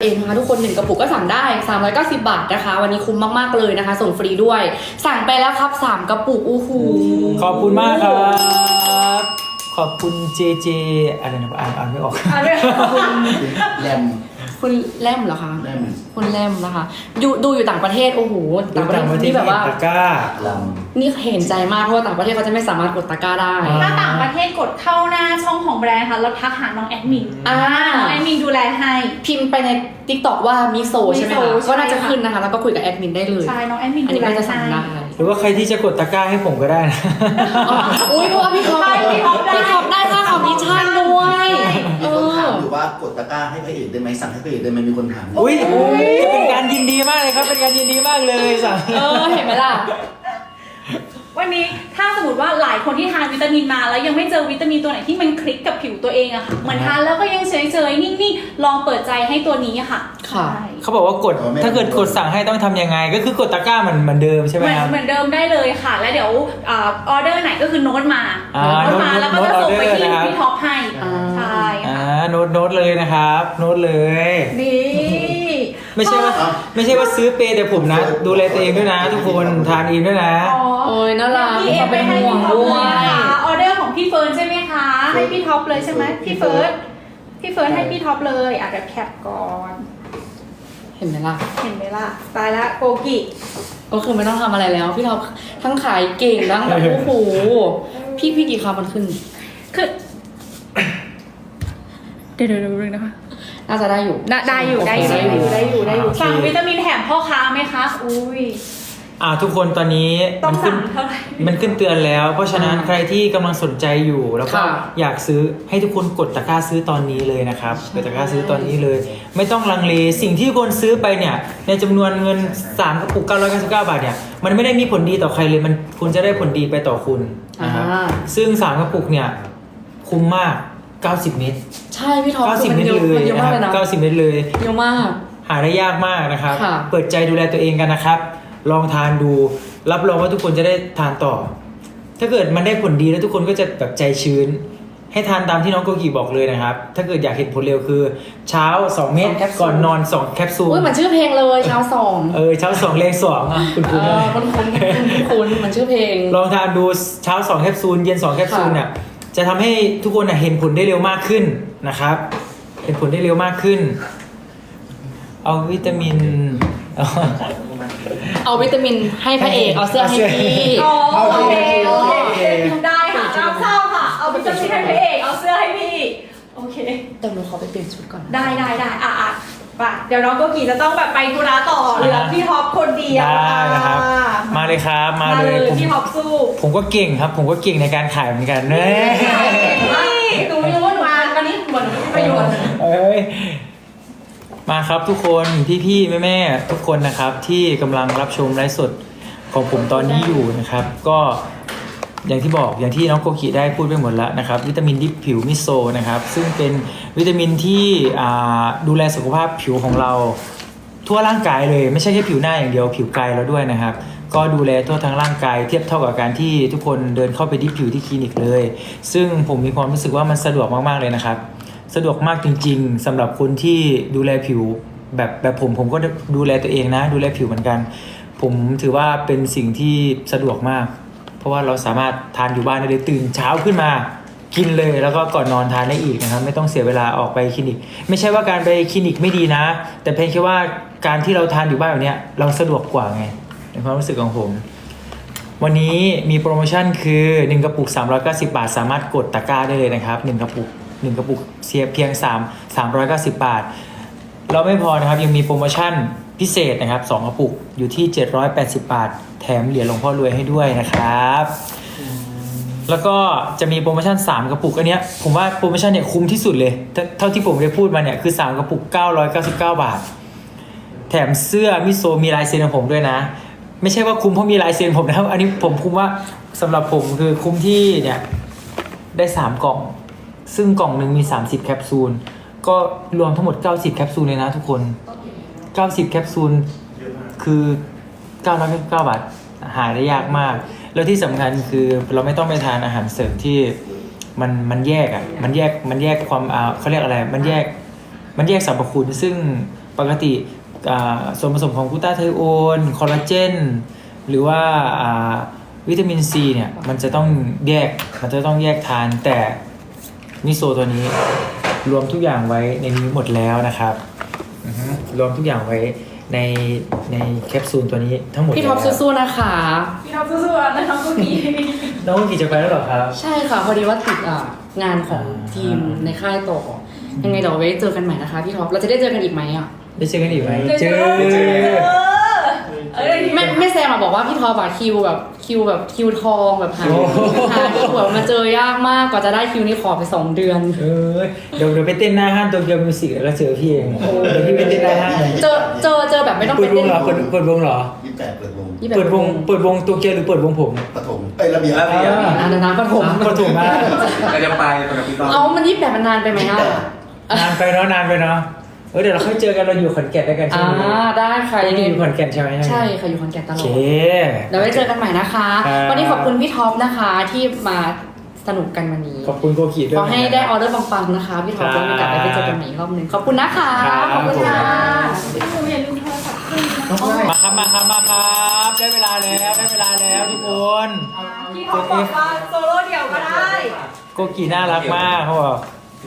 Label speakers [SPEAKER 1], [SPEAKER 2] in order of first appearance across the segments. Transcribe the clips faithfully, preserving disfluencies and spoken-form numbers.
[SPEAKER 1] เองนะคะทุกคนหนึ่งกระปุกก็สั่งได้สามร้อยเก้าสิบบาทนะคะวันนี้คุ้มมากๆเลยนะคะส่งฟรีด้วยสั่งไปแล้วครับสามกระปุกโอ้โห
[SPEAKER 2] ขอบคุณมากครับขอบคุณเจเจอะไรนะอ่านอ่านไม่ออก
[SPEAKER 1] อ่านไม่ออกคุณ
[SPEAKER 3] แรม
[SPEAKER 1] คุณแรมเหรอคะ
[SPEAKER 3] แรม
[SPEAKER 1] คุณแรมนะคะอยู่ดูอยู่ต่างประเทศโอ้โห
[SPEAKER 2] ต่างประเทศนี่แบบว่าตะกร้า
[SPEAKER 1] นี่เห็นใจมากเพราะว่าต่างประเทศเขาจะไม่สามารถกดตะกร้าได้
[SPEAKER 4] ถ้าต่างประเทศกดเข้าหน้าช่องของแบรนด์ค่ะแล้วทักหาน้องแอดมิน
[SPEAKER 1] อ่า
[SPEAKER 4] น้องแอดมินดูแลให้
[SPEAKER 1] พิมพ์ไปใน ติ๊กต็อก ว่ามิโซใช่ไหมคะก็น่าจะขึ้นนะคะแล้วก็คุยกับแอดมินได้เลย
[SPEAKER 4] ใช่น้องแอดมิน
[SPEAKER 1] อันนี้ก็จะสั่งได้
[SPEAKER 2] หรือว่าใครที่จะกดตะกร้าให้ผมก็ได้นะ
[SPEAKER 1] อุ้ยเพราะว่าพี่ท็อปพี่ท็อปได้พี่ท็อปได้ค่าคอมมิชชั่นด้วย
[SPEAKER 3] มีคนถามอยู่ว่ากดตะกร้าให้พระเอกได้ไหมสั่งให้พระเอกได้ไหมมีคนถาม
[SPEAKER 2] อุ้ยจะเป็นการยินดีมากเลยครับเป็นการยินดีมากเลยสั่ง
[SPEAKER 1] เออเห็นไหมล่ะ
[SPEAKER 4] วันนี้ถ้าสมมติว่าหลายคนที่ทานวิตามินมาแล้วยังไม่เจอวิตามินตัวไหนที่มันคลิกกับผิวตัวเองอะค่ะเหมือนทานแล้วก็ยังเฉยๆนิ่งๆลองเปิดใจให้ตัวนี้ค่ะ
[SPEAKER 1] ค่ะ
[SPEAKER 2] เขาบอกว่ากดถ้าเกิดกดสั่งให้ต้องทำยังไงก็คือกดตะกร้าเหมือนเหมือนเดิมใช่ไหมครับ
[SPEAKER 4] เหมือนเดิมได้เลยค่ะแล้วเดี๋ยวออเดอร์ไหนก็คือโน้ตมาโน้ตมาแล้วก็จะส่งไปที่พี่ท็อปให้ใช่
[SPEAKER 2] อ่าโน้ตโน้ตเลยนะครับโน้ตเลย
[SPEAKER 4] นี่
[SPEAKER 2] ไม่ใช่ว่าไม่ใช่ว่าซื้อเปย์แต่ผมนะดูแลตัวเองด้วยนะทุกคนทานเองด้วยนะ
[SPEAKER 1] โอ้ยน่ารัก
[SPEAKER 4] พี่เอ็มไปให้พี่ท็อปเลยนะคะออเดอร์ของพี่เฟิร์นใช่ไหมคะให้พี่ท็อปเลยใช่ไหมพี่เฟิร์นพี่เฟิร์นให้พี่ท็อปเลยอ่ะเดี๋ยวแคปก่อน
[SPEAKER 1] เห็นไหมล่ะ
[SPEAKER 4] เห็นไหมล่ะตายละโกกิ
[SPEAKER 1] ก็คือไม่ต้องทำอะไรแล้วพี่ท็อปทั้งขายเก่งทั้งแบบโอ้โหพี่พี่กี่คำมันขึ้น
[SPEAKER 4] คือเดี๋ยวเดี๋ยวนึงนะคะ
[SPEAKER 1] น่าจะได้อยู่
[SPEAKER 4] ได้อยู่ได้อยู่ได้อยู่ได้อยู่ได้อยู่สั่งวิตามินแถมพ่อค้าไหมคะอุ้ย
[SPEAKER 2] อ่าทุกคนตอนนี้
[SPEAKER 4] มันขึ้น
[SPEAKER 2] มันขึ้นเตือนแล้วเพราะฉะนั้นใครที่กำลังสนใจอยู่แล้วก็อยากซื้อให้ทุกคนกดตะกร้าซื้อตอนนี้เลยนะครับกดตะกร้าซื้อตอนนี้เลยไม่ต้องลังเลสิ่งที่คนซื้อไปเนี่ยในจำนวนเงินสามกระปุกเก้าร้อยเก้าสิบเก้าบาทเนี่ยมันไม่ได้มีผลดีต่อใครเลยมันคุณจะได้ผลดีไปต่อคุณนะครับซึ่งสามกระปุกเนี่ยคุ้มมากเก้าสิบเม็ด
[SPEAKER 1] ใช่พี่ท็อป
[SPEAKER 2] เก้าสิบเม็ดเลยนะครับเก้าสิบเม็ดเลย
[SPEAKER 1] เยอะมาก
[SPEAKER 2] หาได้ยากมากนะครับเปิดใจดูแลตัวเองกันนะครับลองทานดูรับรองว่าทุกคนจะได้ทานต่อถ้าเกิดมันได้ผลดีแล้วทุกคนก็จะแบบใจชื้นให้ทานตามที่น้องโกกิบอกเลยนะครับถ้าเกิดอยากเห็นผลเร็วคือเช้าสองเม็ดก่อนนอนสองแคปซูล
[SPEAKER 1] อุ้ยมันชื่อเพลงเลยเช้าสอง
[SPEAKER 2] เออเช้าสองเลขสองคุณคุณ
[SPEAKER 1] คุณคุณคุณมันชื่อเพลง
[SPEAKER 2] ลองทานดูเช้าสองแคปซูลเย็นสองแคปซูลเนี่ยจะทำให้ทุกคนเห็นผลได้เร็วมากขึ้นนะครับเห็นผลได้เร็วมากขึ้นเอาวิตามิน
[SPEAKER 1] เอาวิตามินให้พระเอกเอาเสื้อให้พี่
[SPEAKER 4] โอเคโอเคได้ค่ะรับทราบค่ะเอาวิตามินให้พระเอกเอาเสื้อให้พี่โอเค
[SPEAKER 1] เดี๋ยวหนูขอไปเปลี่ยนชุดก่อน
[SPEAKER 4] ได้ได้ได้อ่ะอ่ะไปเดี๋ยวน้องโกกิจะต้องแบบไปธุระต่อเหลือพี่ท็อปคนเดียว
[SPEAKER 2] ได้นะครับมาเลยครับมาเลย
[SPEAKER 4] พี่ท็อปสู้
[SPEAKER 2] ผมก็เก่งครับผมก็เก่งในการขายเหมือนกันเนย
[SPEAKER 4] หนูไม่รู้ว่าหนูมาวันนี้เหมือนไม่ประโยชน์
[SPEAKER 2] เอ้ยมาครับทุกคนพี่ๆแม่ๆทุกคนนะครับที่กำลังรับชมไลฟ์สดของผมตอนนี้อยู่นะครับก็อย่างที่บอกอย่างที่น้องโกกิได้พูดไปหมดแล้วนะครับวิตามินดิบผิวมิโซนะครับซึ่งเป็นวิตามินที่ดูแลสุขภาพผิวของเราทั่วร่างกายเลยไม่ใช่แค่ผิวหน้าอย่างเดียวผิวกายเราด้วยนะครับก็ดูแลทั่วทั้งร่างกายเทียบเท่ากับการที่ทุกคนเดินเข้าไปดิบผิวที่คลินิกเลยซึ่งผมมีความรู้สึกว่ามันสะดวกมากๆเลยนะครับสะดวกมากจริงๆสำหรับคนที่ดูแลผิวแบบแบบผมผมก็ดูแลตัวเองนะดูแลผิวเหมือนกันผมถือว่าเป็นสิ่งที่สะดวกมากเพราะว่าเราสามารถทานอยู่บ้านได้เลยตื่นเช้าขึ้นมากินเลยแล้วก็ก่อนนอนทานได้อีกนะครับไม่ต้องเสียเวลาออกไปคลินิกไม่ใช่ว่าการไปคลินิกไม่ดีนะแต่เพียงแค่ว่าการที่เราทานอยู่บ้านแบบนี้เราสะดวกกว่าไงในความรู้สึกของผมวันนี้มีโปรโมชั่นคือหนึ่งกระปุกสามร้อยเก้าสิบบาทสามารถกดตะกร้าได้เลยนะครับหนึ่งกระปุกหนึ่งกระปุกเสียเพียง3 390 บาทเราไม่พอนะครับยังมีโปรโมชั่นพิเศษนะครับสองกระปุกอยู่ที่เจ็ดร้อยแปดสิบบาทแถมเหรียญหลวงพ่อรวยให้ด้วยนะครับแล้วก็จะมีโปรโมชั่นสามกระปุกอันเนี้ยผมว่าโปรโมชั่นเนี่ยคุ้มที่สุดเลยเท่าที่ผมได้พูดมาเนี่ยคือสามกระปุกเก้าร้อยเก้าสิบเก้าบาทแถมเสื้อมิโซมีลายเซ็นของผมด้วยนะไม่ใช่ว่าคุ้มเพราะมีลายเซ็นผมนะครับอันนี้ผมคุ้มว่าสำหรับผมคือคุ้มที่เนี่ยได้สามกล่องซึ่งกล่องหนึ่งมีสามสิบแคปซูลก็รวมทั้งหมดเก้าสิบแคปซูลเลยนะทุกคนเก้าสิบแคปซูลคือเก้าร้อยเก้าสิบเก้าบาทหาได้ยากมากแล้วที่สำคัญคือเราไม่ต้องไปทานอาหารเสริมที่มันมันแยกอ่ะมันแยกมันแยกความอ่าเขาเรียกอะไรมันแยกมันแยกสรรพคุณซึ่งปกติอ่าส่วนผสมของกลูตาไทโอนคอลลาเจนหรือว่าอ่าวิตามินซีเนี่ยมันจะต้องแยกมันจะต้องแยกทานแต่มิโซตัวนี้รวมทุกอย่างไว้ในนี้หมดแล้วนะครับอือฮึรวมทุกอย่างไว้ในในแคปซูลตัวนี้ทั้งหมด
[SPEAKER 1] พี่ท็อป
[SPEAKER 2] แล้ว
[SPEAKER 1] สู้ๆนะคะ
[SPEAKER 4] พี่ท็อปสู้ๆนะน้องกุ๊กกี้
[SPEAKER 2] น้องกี่จะไปแล้วเหรอครับ
[SPEAKER 1] ใช่ค่ะพอดีว่าติดอ่ะงานของทีมในค่ายต่อยังไงเดี๋ยวไว้เจอกันใหม่นะคะพี่ท็อปเราจะได้เจอกันอีกไหมอ่ะ
[SPEAKER 2] ได้เจอกันอีกไหม
[SPEAKER 4] เจอเจอเอ้ย
[SPEAKER 1] แม่แม่แซมอะบอกว่าพี่ท็อปอะคิวแบบคิวแบบคิวทองแบบหาหาคิวแบบมาเจอยากมากกว่าจะได้คิวนี่ขอไปสองเดือน
[SPEAKER 2] เออเดี๋ยวเดี๋ยวไปเต้นหน้าห้างโตเกียวมิวสิกแล้วก็เจอพี่เองเดี๋ยวพี่ไปเต้นหน้าห้าง
[SPEAKER 1] เจอเจอเจอแบบไม่ต้อง
[SPEAKER 2] เปิ
[SPEAKER 1] ไป
[SPEAKER 2] ดว
[SPEAKER 1] เต้
[SPEAKER 2] ง
[SPEAKER 1] น
[SPEAKER 2] เหรอเปิดเปิดวงเหรอ
[SPEAKER 3] ยี่สิบแปดเปิดวง
[SPEAKER 1] ยี่สิบแป
[SPEAKER 2] เปิดวงเปิดวงโตเกียวหรือเปิดวงผม
[SPEAKER 3] ปฐมไอ้ยระเบียบ
[SPEAKER 5] ระเบียบ
[SPEAKER 1] อ่าเดี๋ยวนะปฐม
[SPEAKER 2] ปฐมมา
[SPEAKER 5] เราจะไปกับพี่ก้อง
[SPEAKER 1] เอามันยี่สิบแปดมันนานไปไหมอ่ะ
[SPEAKER 2] นานไปเนาะนานไปเนาะเออเดี๋ยวเราค่อยเจอกันเราอยู่ขอนแก่นด้วยกันใช่
[SPEAKER 1] อ่า
[SPEAKER 2] ไหม
[SPEAKER 1] ได้ค่ะ
[SPEAKER 2] ยั
[SPEAKER 1] ยัง งไง
[SPEAKER 2] อยู่ขอนแก่นใช่ไหม
[SPEAKER 1] ใช่ค่ะอยู่ขอนแก่นต
[SPEAKER 2] โอ
[SPEAKER 1] ลอ
[SPEAKER 2] เค
[SPEAKER 1] ดเดี๋ยวไว้เจอกันใหม่นะคะ
[SPEAKER 2] ครับ
[SPEAKER 1] วันนี้ขอบคุณพี่ท็อปนะคะที่มาสนุกกันวันนี้
[SPEAKER 2] ขอบคุณโกกิด้วย
[SPEAKER 1] ขอให้ได้ออเดอร์ปังๆนะคะพี่ท็อป
[SPEAKER 2] ครับ
[SPEAKER 1] แล้วมีโอกาสได้ไปเจอกันใหม่อีกรอบหนึ่งขอบคุณนะคะ
[SPEAKER 2] ครับ
[SPEAKER 1] ขอบคุณค่ะ
[SPEAKER 4] พี่หนูอย่าลืมโทรศัพท์ขึ้นนะ
[SPEAKER 2] มาครับมาครับมาครับได้เวลาแล้วได้เวลาแล้วทุกคน
[SPEAKER 4] พี่ท็อปบอกว่าโซโล่เดี่ยวก็ได้
[SPEAKER 2] โกกิน่ารักมากเขาบอก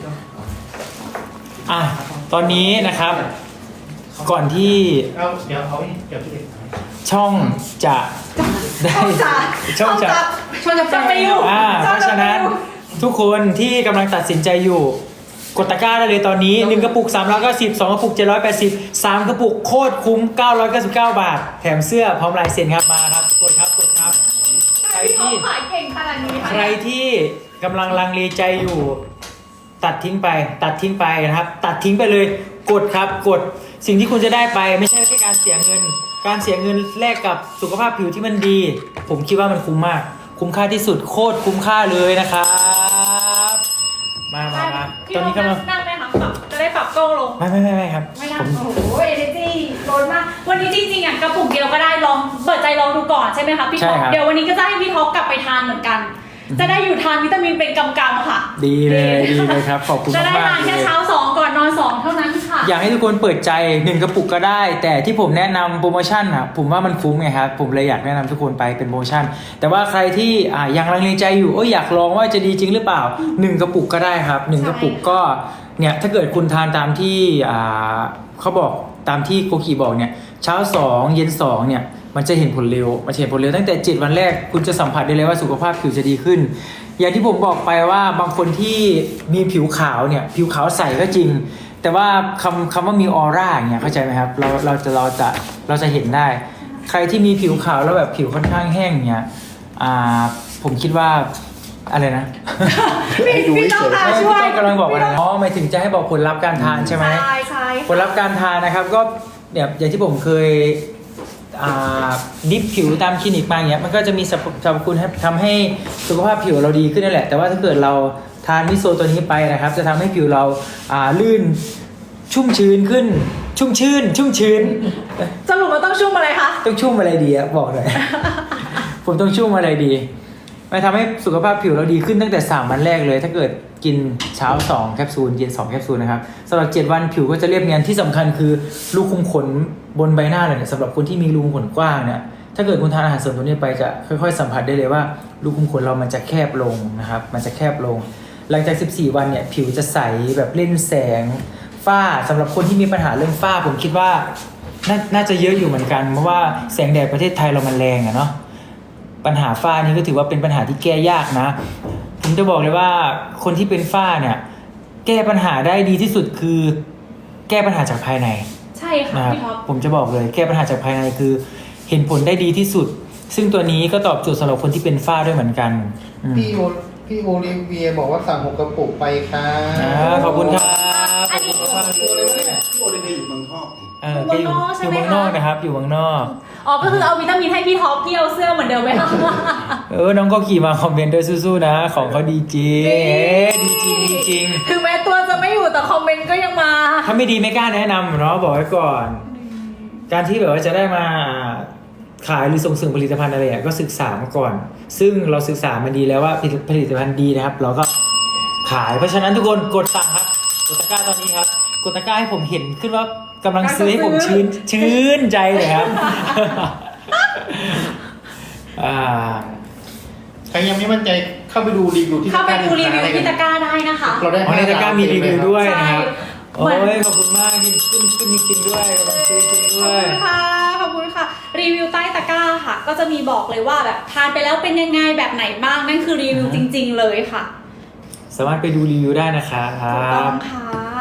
[SPEAKER 2] อ่ะตอนนี้นะครับ ก่อนที่
[SPEAKER 6] เอาเดี๋ยวเอาเดี๋ยวพี่เด็ก
[SPEAKER 2] ช่องจะได้ช่องจะ
[SPEAKER 1] ช่วยจะ
[SPEAKER 4] จะไปอยู่
[SPEAKER 2] อ่าเพราะฉะนั้นทุกคนที่กำลังตัดสินใจอยู่ กดตะกร้าได้เลยตอนนี้หนึ่งกระปุกสามร้อยเก้าสิบ สองกระปุกเจ็ดร้อยแปดสิบ สามกระปุกโคตรคุ้มเก้าร้อยเก้าสิบเก้าบาท แถมเสื้อพร้อมลายเซ็นครับมาครับกดครับกดครับ ใคร
[SPEAKER 4] พี่ท็อ
[SPEAKER 2] ที่
[SPEAKER 4] ปขายเก่งขนาดนี้
[SPEAKER 2] ใครที่กำลังลังเลใจอยู่ ตัดทิ้งไป ตัดทิ้งไปนะครับ ตัดทิ้งไปเลย กดครับกดสิ่งที่คุณจะได้ไปไม่ใช่แค่การเสียเงิน การเสียเงินแลกกับสุขภาพผิวที่มันดี ผมคิดว่ามันคุ้มมาก คุ้มค่าที่สุดโคตรคุ้มค่าเลยนะครับมามามา
[SPEAKER 4] พี่
[SPEAKER 2] ตอน
[SPEAKER 4] ท็อ
[SPEAKER 2] นี้
[SPEAKER 4] ป
[SPEAKER 2] กำลัง
[SPEAKER 4] นั่งไหมคะปรับจะได้ปรับกล้องลง
[SPEAKER 2] ไม่ไม่ไม่ไม่ครับ
[SPEAKER 4] ไม่นั่
[SPEAKER 2] ผ
[SPEAKER 4] ง
[SPEAKER 2] ม
[SPEAKER 4] โอ้โหเอเนจีล้นมาก วันนี้จริงๆอ่ะกระปุกเดียวก็ได้ลองเปิดใจลองดูก่อนใช่ไหมคะพี่ท็อป
[SPEAKER 2] ใช่ครับ
[SPEAKER 4] เดี๋ยววันนี้ก็จะให้พี่ท็อปกลับไปทานเหมือนกัน จะได้อยู่ทานวิตามินเป็นกำๆค่ะ
[SPEAKER 2] ดีเลยดีเลยครับขอบคุณ
[SPEAKER 4] จะได้
[SPEAKER 2] มาก
[SPEAKER 4] ทาน
[SPEAKER 2] ๆเล
[SPEAKER 4] แค่
[SPEAKER 2] ย
[SPEAKER 4] เช้าสองก่อนนอนสองเท่านั้นค่ะ
[SPEAKER 2] อยากให้ทุกคนเปิดใจหนึ่งกระปุกก็ได้ แต่ที่ผมแนะนำโปรโมชั่นอ่ะผมว่ามันคุ้มไงครับผมเลยอยากแนะนำทุกคนไปเป็นโปรโมชั่น แต่ว่าใครที่อ่ายังลังเลใจอยู่เอยอยากลองว่าจะดีจริงหรือเปล่าหนึ่งกระปุกก็ได้ครับหนึ่งกระปุกก็เนี่ยถ้าเกิดคุณทานตามที่อ่าเขาบอกตามที่โกกิบอกเนี่ยเช้าสองเย็นสองเนี่ยมันจะเห็นผลเร็วมันจะเห็นผลเร็วตั้งแต่เจ็ดวันแรกคุณจะสัมผัสได้เลยว่าสุขภาพผิวจะดีขึ้น อย่างที่ผมบอกไปว่าบางคนที่มีผิวขาวเนี่ยผิวขาวใสก็จริง แต่ว่าคำคำว่ามีออร่าอย่างเงี้ยเข้าใจไหมครับเราเราจะเราจะเราจะเห็นได้ ใครที่มีผิวขาวแล้วแบบผิวค่อนข้างแห้งเนี่ยอ่าผมคิดว่าอะไรนะ
[SPEAKER 4] พี่พี่ต้องค่ะ
[SPEAKER 2] ไม่
[SPEAKER 4] ช่วย
[SPEAKER 2] พี่ต้องกำลังบอกว่าอ๋อหมายถึงจะให้บอกผลลัพธ์การทานใช่ไหม
[SPEAKER 4] ใช่ใช่
[SPEAKER 2] ผลลัพธ์การทานนะครับก็เนี่ยอย่างที่ผมเคยอ่าดิฟผิวตามคลินิกมาอย่างเงี้ยมันก็จะมีสรรพสรรพคุณให้ทำให้สุขภาพผิวเราดีขึ้นนั่นแหละ แต่ว่าถ้าเกิดเราทานมิโซตัวนี้ไปนะครับ จะทำให้ผิวเราอ่าลื่นชุ่มชื้นขึ้น ชุ่มชื่น ชุ่มชื้น
[SPEAKER 4] สรุปว่าต้องชุ่มอะไรคะ
[SPEAKER 2] ต้องชุ่มอะไรดีอะบอกหน่อย ผมต้องชุ่มอะไรดีมันทำให้สุขภาพผิวเราดีขึ้นตั้งแต่สามวันแรกเลย ถ้าเกิดกินเช้าสองแคปซูลเย็นสองแคปซูลนะครับสำหรับเจ็ดวันผิวก็จะเรียบเนียนที่สำคัญคือรูขุมขนบนใบหน้าเราเนี่ยสำหรับคนที่มีรูขุมขนกว้างเนี่ยถ้าเกิดคุณทานอาหารเสริมตัวนี้ไปจะค่อยๆสัมผัสได้เลยว่ารูขุมขนเรามันจะแคบลงนะครับมันจะแคบลง หลังจากสิบสี่วันเนี่ยผิวจะใสแบบเล่นแสงฝ้าสำหรับคนที่มีปัญหาเรื่องฝ้าผมคิดว่าน่าน่าจะเยอะอยู่เหมือนกันเพราะว่าแสงแดดประเทศไทยเรามันแรงอะเนาะปัญหาฝ้านี้ก็ถือว่าเป็นปัญหาที่แก้ยากนะผมจะบอกเลยว่าคนที่เป็นฝ้าเนี่ยแก้ปัญหาได้ดีที่สุดคือแก้ปัญหาจากภายใน
[SPEAKER 4] ใช่ค่ะ
[SPEAKER 2] นะครับ
[SPEAKER 4] พี่ท็อป
[SPEAKER 2] ผมจะบอกเลยแก้ปัญหาจากภายในคือเห็นผลได้ดีที่สุด ซึ่งตัวนี้ก็ตอบโจทย์สำหรับคนที่เป็นฝ้าด้วยเหมือนกันอืม
[SPEAKER 6] พี่โอพี่โอลิเวียบอกว่าสั่งหกกระปุกไปค่ะ
[SPEAKER 2] อ่าขอบคุณครับขอบคุณมากๆ
[SPEAKER 3] ตัว
[SPEAKER 2] เล
[SPEAKER 3] อะไรวะ
[SPEAKER 2] ย
[SPEAKER 3] เนี่ยพี่โอลิเวียอยู่เมืองนอกนี่
[SPEAKER 2] เออแกอยู่อยู่เมืองนอกนะครับ อยู่เมืองนอก
[SPEAKER 4] อ๋อก็คือเอาวิตามินให้พี่ท็อปพี่เอาเสื้อเหมือนเดิมไหมคะ
[SPEAKER 2] เออน้องก็ขี่มาคอมเมนต์ด้วยสู้ๆนะ ของเขาดีจริงเอ๊ะดีจริงดีจริง
[SPEAKER 4] ถึงแม้ตัวจะไม่อยู่แต่คอมเมนต์ก็ยังมา
[SPEAKER 2] ถ้าไม่ดีไม่กล้าแนะนำเนาะบอกไว้ก่อน การที่แบบว่าจะได้มาขายหรือส่งเสริมผลิตภัณฑ์อะไรอ่ะก็ศึกษามาก่อน ซึ่งเราศึกษามันดีแล้วว่าผลิตภัณฑ์ดีนะครับ เราก็ขายเพราะฉะนั้นทุกคนกดสั่งครับกดตะกร้าตอนนี้ครับกดตะกร้าให้ผมเห็นขึ้นว่ากำลังซื้อให้ผมชื่นชื่นใจเลยครับ อ่า
[SPEAKER 6] ใครยังไม่มั่นใจเข้าไปดูรีวิวที่
[SPEAKER 4] เข้าไปดูรีวิวที่ตะกร้าได้นะคะ
[SPEAKER 6] เราได้
[SPEAKER 2] อ๋อในตะกร้ามีรีวิวด้วยนะครับ
[SPEAKER 4] ใช่
[SPEAKER 2] โอ้ยขอบคุณมากขึ้นขึ้นขึ้นจริงๆด้วยกำลังซื้อจริง
[SPEAKER 4] ข
[SPEAKER 2] ด้
[SPEAKER 4] อบ
[SPEAKER 2] วย
[SPEAKER 4] คุณค่ะขอบคุณค่ะ รีวิวใต้ตะกร้าค่ะ ก็จะมีบอกเลยว่าแบบทานไปแล้วเป็นยังไงแบบไหนบ้างนั่นคือรีวิวจริง ๆ เลยค่ะ
[SPEAKER 2] สามารถไปดูรีวิวได้นะครั
[SPEAKER 4] ถูกต้
[SPEAKER 2] บ
[SPEAKER 4] องค่ะ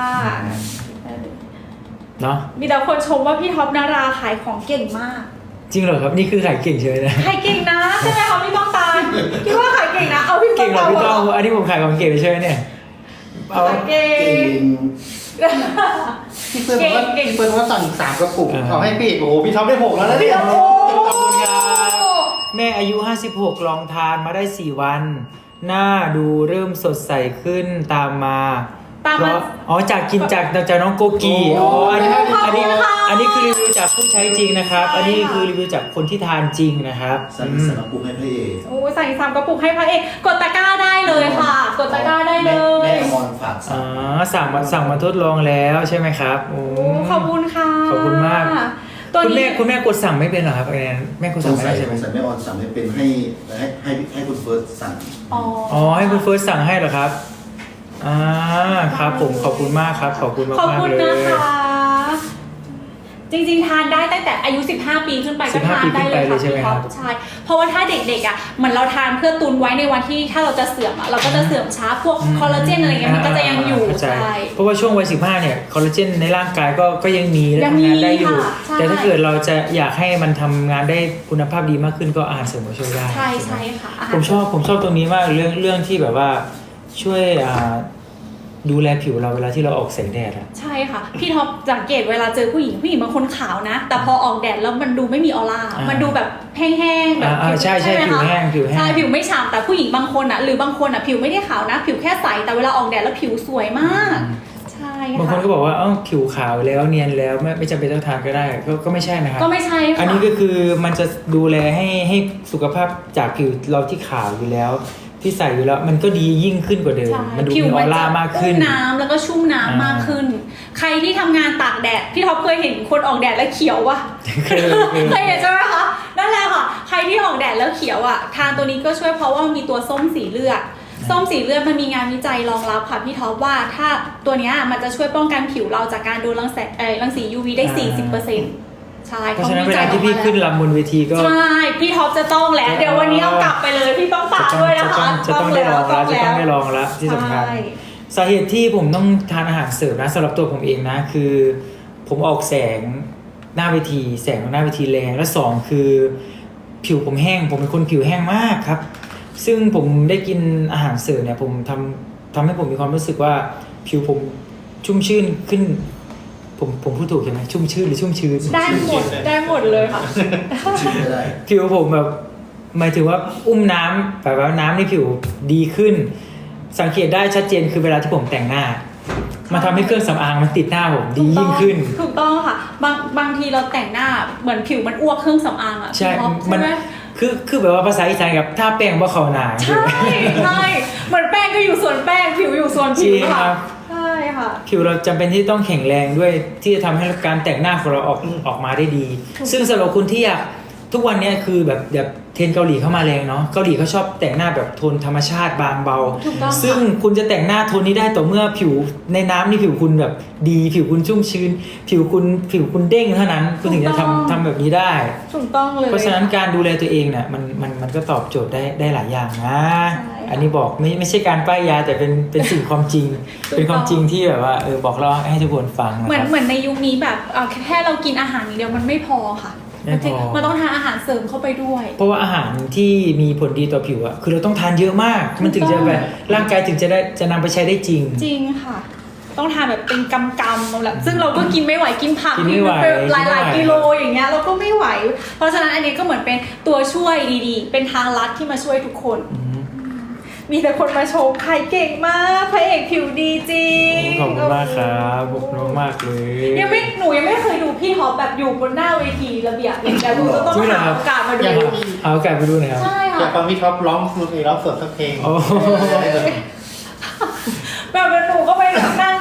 [SPEAKER 2] เนาะ
[SPEAKER 4] มีแต่คนชมว่าพี่ท็อปนาราขายของเก่งมาก
[SPEAKER 2] จริงเหรอครับนี่คือขายเก่งเฉยนะ
[SPEAKER 4] ขายเก่งนะใช่ไหมคะพี่ต้องตาลคิดว่าขายเก่งนะเอาพี่
[SPEAKER 2] เก่งเหรอพี่
[SPEAKER 4] ต้
[SPEAKER 2] ต้
[SPEAKER 4] อ
[SPEAKER 2] อง งอันนี้ผมขายของเก่งเลยใช่ไหมเนี่ยเอา
[SPEAKER 4] ขายเก่
[SPEAKER 3] เก่
[SPEAKER 4] ง
[SPEAKER 3] ง
[SPEAKER 6] พี่เปิ้ลบอกว่า
[SPEAKER 4] เก่ง
[SPEAKER 6] พี่เปิ้ลว่าสั่งสามกระปุก
[SPEAKER 2] อ่า
[SPEAKER 6] เอาให้พี่เอกโอ้โหพี่ท็อปได้หกแล้วนะเนี่ย
[SPEAKER 4] โอ้
[SPEAKER 2] ขอบคุณครับแม่อายุห้าสิบหกลองทานมาได้สี่วัน หน้าดูเริ่มสดใสขึ้นตามมา
[SPEAKER 4] ตาม
[SPEAKER 2] เพ
[SPEAKER 4] มา
[SPEAKER 2] ราะอ๋อจากกินจากจากน้องโกกีอ๋ออันนี้อันนี้อันนี้คือรีวิวจากผู้ใช้จริงนะครับ อันนี้คือรีวิวจากคนที่ทานจริงนะครับ
[SPEAKER 3] สั่ง
[SPEAKER 2] อืม
[SPEAKER 3] สำหรับปุ๊กให้พระเอก
[SPEAKER 4] โอ้ใส่สามกระปุกให้พระเอกกดตะกร้าได้เลยค่ะ กดตะกร้าได้เล
[SPEAKER 3] แม่
[SPEAKER 4] ย
[SPEAKER 3] แม่อมรฝากสั่
[SPEAKER 2] อ๋อง สั่งมาสั่งมาทดลองแล้วใช่ไหมครับโอ้
[SPEAKER 4] โอ้ขอบคุณค่ะ
[SPEAKER 2] ขอบคุณมาก
[SPEAKER 4] ตัว
[SPEAKER 2] คุณแม่
[SPEAKER 4] นี้
[SPEAKER 2] คุณแม่กดสั่งไม่เป็นเหรอครับไอ้แนนแม่กด
[SPEAKER 3] ส
[SPEAKER 2] สั่ง
[SPEAKER 3] ง
[SPEAKER 2] ไม่
[SPEAKER 3] สั
[SPEAKER 2] ได้
[SPEAKER 3] ย
[SPEAKER 2] ใช่ไหม
[SPEAKER 3] สงสัยแม่ออนสั่งให้เป็นให้ให้ให้ให้คุณเฟิร์สสั่ง
[SPEAKER 4] อ๋อ
[SPEAKER 2] อ๋อให้คุณเฟิร์สสั่งให้เหรอครับอ่าครับผมขอบคุณมากครับขอบคุณมาก
[SPEAKER 4] ขอบ
[SPEAKER 2] มาก
[SPEAKER 4] คุณ
[SPEAKER 2] เล
[SPEAKER 4] นะ
[SPEAKER 2] ย
[SPEAKER 4] คะ จริงๆทานได้ตั้งแต่อายุสิบห้าปีขึ้นไปก็ทานได้เลยค่ะพี่ท็อปใช่เพราะว่าถ้าเด็กๆอ่ะเหมือนเราทานเพื่อตุนไว้ในวันที่ถ้าเราจะเสื่อมอ่ะเราก็จะเสื่อมช้าพวกคอลลาเจนอะไรเงี้ยมันก็จะยังอยู่
[SPEAKER 2] เข้าใจ
[SPEAKER 4] ใช่
[SPEAKER 2] เพราะว่าช่วงวัยสิบห้าเนี่ยคอลลาเจนในร่างกายก็ก็ยังมีและ
[SPEAKER 4] ยัง
[SPEAKER 2] ทำ
[SPEAKER 4] มี
[SPEAKER 2] งานได้อยู่
[SPEAKER 4] ค่ะใช่
[SPEAKER 2] แต่ถ้าเกิดเราจะอยากให้มันทำงานได้คุณภาพดีมากขึ้นก็อาหารเสริมก็ช่วยได้
[SPEAKER 4] ใช่ใช่ค่ะาหาร
[SPEAKER 2] ผมชอบผมชอบตรงนี้มากเรื่องเรื่องที่แบบว่าช่วยอ่าดูแลผิวเราเวลาที่เราออกแสงแดดอะ
[SPEAKER 4] ใช่ค่ะ พี่ท็อปสังเกตเวลาเจอผู้หญิงผู้หญิงบางคนขาวนะ แต่พอออกแดดแล้วมันดูไม่มีออร่า
[SPEAKER 2] อ่ามั
[SPEAKER 4] มันดูแบบแห้งๆแบบ
[SPEAKER 2] อ่าใช่ใช่
[SPEAKER 4] ไหม
[SPEAKER 2] ผิว
[SPEAKER 4] คะ
[SPEAKER 2] แห้งผิวแห้ง
[SPEAKER 4] ใช่ผิวไม่ฉ่ำแต่ผู้หญิงบางคนอ่ะหรือบางคนอ่ะผิวไม่ได้ขาวนะ ผิวแค่ใสแต่เวลาออกแดดแล้วผิวสวยมาก ใช่
[SPEAKER 2] บางคน
[SPEAKER 4] ค่ะ
[SPEAKER 2] ก็บอกว่าเอ้าผิวขาวแล้วเนียนแล้วไม่ไม่จำเป็นต้องทานก็ได้ก็ก็ไม่ใช่นะครับ
[SPEAKER 4] ก็ไม่ใช่ค่ะ
[SPEAKER 2] อันนี้ก็คือมันจะดูแลให้ให้สุขภาพจากผิวเราที่ขาวอยู่แล้ว ที่ใส่อยู่แล้วมันก็ดียิ่งขึ้นกว่าเดิม
[SPEAKER 4] ใช่
[SPEAKER 2] มันดู
[SPEAKER 4] ผิว
[SPEAKER 2] มีอ
[SPEAKER 4] มั
[SPEAKER 2] อน ร่า
[SPEAKER 4] จะ
[SPEAKER 2] มากขึ้น
[SPEAKER 4] อุ้มน้ำแล้วก็ชุ่มน้ำ
[SPEAKER 2] อ่าม
[SPEAKER 4] มากขึ้น ใครที่ทำงานตากแดดพี่ท็อปเคยเห็นคนออกแดดแล้วเขียววะ
[SPEAKER 2] เคยเคย
[SPEAKER 4] เคยเห็นใช่ไหมคะนั่นแหละค่ะ ใครที่ออกแดดแล้วเขียวอ่ะทานตัวนี้ก็ช่วยเพราะว่ามีตัวส้มสีเลือดส้มสีเลือดมันมีงานวิจัยรองรับค่ะพี่ท็อปว่าถ้าตัวเนี้ยมันจะช่วยป้องกันผิวเราจากการโดนรังแสงเอ่อรังสี ยู วี ได้ สี่สิบเปอร์เซ็นต์ ใช่
[SPEAKER 2] เพราะฉะนั้นเวลาที่พี่ขึ้นลำบนเวทีก็
[SPEAKER 4] ใช่พี่ท็อปจะต้องแล้วเดี๋ยววันนี้เอากลับไปเลยพี่ต้องฝากด้วย
[SPEAKER 2] จะ
[SPEAKER 4] นะ
[SPEAKER 2] ต้อ
[SPEAKER 4] คะ
[SPEAKER 2] งจะต้องได้ลองแล้วจะต้องได้ลองแล้วที่สำคัญ
[SPEAKER 4] ใช่
[SPEAKER 2] สาเหตุที่ผมต้องทานอาหารเสริมนะสำหรับตัวผมเองนะคือผมออกแสงหน้าเวที แสงของหน้าเวทีแรงและสองคือผิวผมแห้ง ผมเป็นคนผิวแห้งมากครับ ซึ่งผมได้กินอาหารเสริมเนี่ยผมทำทำให้ผมมีความรู้สึกว่าผิวผมชุ่มชื่นขึ้น ผมผมพูดถูกใช่ไหมชุ่มชื่นหรือชุ่มชื้น
[SPEAKER 4] ได้หมดได้หมดเลยค่ะ
[SPEAKER 3] ชิมไม่ได้
[SPEAKER 2] ผิวผมแบบหมายถึงว่าอุ้มน้ำแบบว่าน้ำในผิวดีขึ้น สังเกตได้ชัดเจนคือเวลาที่ผมแต่งหน้า มันทำให้เครื่องสำอางมันติดหน้าผมดียิ่งขึ้น
[SPEAKER 4] ถูกต้องค่ะบางบางทีเราแต่งหน้าเหมือนผิวมันอ้วกเครื่องสำอางอ่ะ
[SPEAKER 2] ใช่
[SPEAKER 4] พี่ท็อป
[SPEAKER 2] มัน
[SPEAKER 4] ใช่ไหม
[SPEAKER 2] คือคือแบบว่าภาษาอีสานกับถ้าแป้งว่าเขาหนา
[SPEAKER 4] ใช่ใช่เหมือนแป้งก็อยู่ส่วนแป้งผิวอยู่ส่วน
[SPEAKER 2] จ
[SPEAKER 4] ผิ
[SPEAKER 2] ริ
[SPEAKER 4] ว
[SPEAKER 2] งค
[SPEAKER 4] ค่ะ
[SPEAKER 2] รับ
[SPEAKER 4] ใช่ค่ะ
[SPEAKER 2] ผิวเราจำเป็นที่ต้องแข็งแรงด้วยที่จะทำให้การแต่งหน้าของเราออกออกมาได้ดี ซึ่งสำหรับคุณที่อยากทุกวันนี้คือแบบแบบเทรนด์เกาหลีเข้ามาแรงเนาะเกาหลีเขาชอบแต่งหน้าแบบโทนธรรมชาติบางเบา
[SPEAKER 4] ถูกต้องค่ะ
[SPEAKER 2] ซึ่งคุณจะแต่งหน้าโทนนี้ได้ต่อเมื่อผิวในน้ำนี่ผิวคุณแบบดีผิวคุณชุ่มชื้น ผิวคุณผิวคุณเด้งเท่านั้น คุณถึงจะทำทำแบบนี้ได้
[SPEAKER 4] ถูกต้องเลย
[SPEAKER 2] เพราะฉะนั้นการดูแลตัวเองเนี่ยมันมันมันก็ตอบโจทย์ได้ได้หลายอย่างนะ
[SPEAKER 4] ใช่ค่ะ
[SPEAKER 2] อันนี้บอกไม่ไม่ใช่การป้ายยาแต่เป็นเป็นสิ่งความจริง
[SPEAKER 4] ถูกต้อง
[SPEAKER 2] เป็นความจริงที่แบบว่าเออบอกเราให้ทุกคนฟังนะ
[SPEAKER 4] เหมือน
[SPEAKER 2] ครับ
[SPEAKER 4] เหมือนในยุคนี้แบบเอาแค่เรากินอาหารอย่างเดียวมันไม่พอค่ะ
[SPEAKER 2] ไม่พอ
[SPEAKER 4] มันต้องทานอาหารเสริมเข้าไปด้วย
[SPEAKER 2] เพราะว่าอาหารที่มีผลดีต่อผิวอะคือเราต้องทานเยอะมาก มันถึงจะแบบร่างกายถึงจะได้จะนำไปใช้ได้จริง
[SPEAKER 4] จริงค่ะ ต้องทานแบบเป็นกำกำแบบซึ่งเราก็กินไม่ไหวกินผัก
[SPEAKER 2] กินไม่ไหว
[SPEAKER 4] เป็นหลายหลาย
[SPEAKER 2] กินไม่ไหว
[SPEAKER 4] กิโลอย่างเงี้ยเราก็ไม่ไหว เพราะฉะนั้นอันนี้ก็เหมือนเป็นตัวช่วยดีๆ เป็นทางลัดที่มาช่วยทุกคน
[SPEAKER 2] อืม
[SPEAKER 4] มีแต่คนมาชมใครเก่งมากพระเอกผิวดีจริง
[SPEAKER 2] ขอบคุณมากครับขอบคุณมากๆเลย
[SPEAKER 4] ยังไม่หนูยังไม่เคยดูพี่ท็อปแบบอยู่บนหน้าเวทีระเบียบเลยแต่หนูจะต้อง
[SPEAKER 2] จริงเหรอ
[SPEAKER 4] หา
[SPEAKER 2] ครับ
[SPEAKER 4] โอกาสมาดู
[SPEAKER 6] อยาก
[SPEAKER 2] เอาโอกาสไปดูหน่อยครับ
[SPEAKER 4] ใช่
[SPEAKER 6] อยาก
[SPEAKER 4] ค่ะ
[SPEAKER 6] ฟังพี่ท็อปร้องดนตรีร้องสดสักเพลง
[SPEAKER 2] โอ้
[SPEAKER 4] แบบหนูก็ไปนั่งดูดู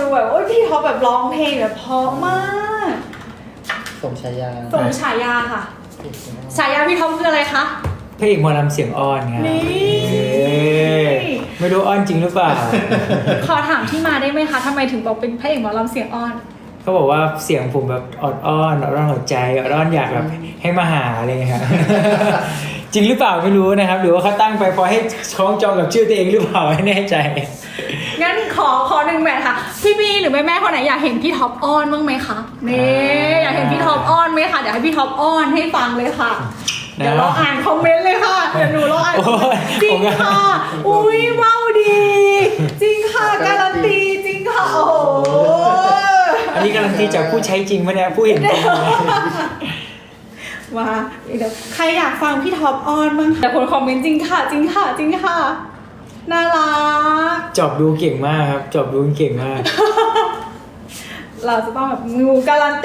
[SPEAKER 4] แบบโอ้ยพี่ท็อปแบบร้องเพลงแบบเพราะมาก
[SPEAKER 6] สมชายา
[SPEAKER 4] สมฉายาค่ะฉายาพี่ท็อปคืออะไรคะ
[SPEAKER 2] พระเอกหมอลำเสียงอ่อนไง
[SPEAKER 4] นี่
[SPEAKER 2] เอ้ยไม่รู้อ่อนจริงหรือเปล่า
[SPEAKER 4] ขอถามที่มาได้ไหมคะทำไมถึงบอกเป็นพระเอกหมอลำเสียงอ่อน
[SPEAKER 2] เขาบอกว่าเสียงผมแบบออดอ้อนออดอ้อนหัวใจออดอ้อนอยากแบบให้มาหาอะไรอย่างเงี้ยครับ จริงหรือเปล่าไม่รู้นะครับ หรือว่าเขาตั้งไปพอให้คล้องจองกับชื่อตัวเองหรือเปล่าไม่แน่ใจ
[SPEAKER 4] งั้นขอขอหนึ่งแมทค่ะ พี่บีหรือแม่แม่ๆคนไหนอยากเห็นพี่ท็อปอ้อนบ้างไหมคะนี่อยากเห็นพี่ท็อปอ้อนไหมคะเดี๋ยวให้พี่ท็อปอ้อนให้ฟังเลยค่ะ
[SPEAKER 2] นะ
[SPEAKER 4] เดี๋ยวเราอ่านคอมเมนต์เลยค่ะเดี๋ยวหนูเราอ่านคอมเมนต์จริงค่ะ อุ้ยว้าวดี จริงค่ะการันตีจริงค่ะโอ้โห
[SPEAKER 2] อันนี้การันตีจากผู้ใช้จริงไหมเนี่ยผู้เห็นจริงไหม
[SPEAKER 4] มาเดี๋ยวใครอยากฟังพี่ท็อปอ้อนบ้างแต่คนคอมเมนต์จริงค่ะ จริงค่ะ จริงค่ะน่ารัก
[SPEAKER 2] จอบดูเก่งมากครับจอบดูเก่งมาก
[SPEAKER 4] เราจะต้องแบบงูการันตี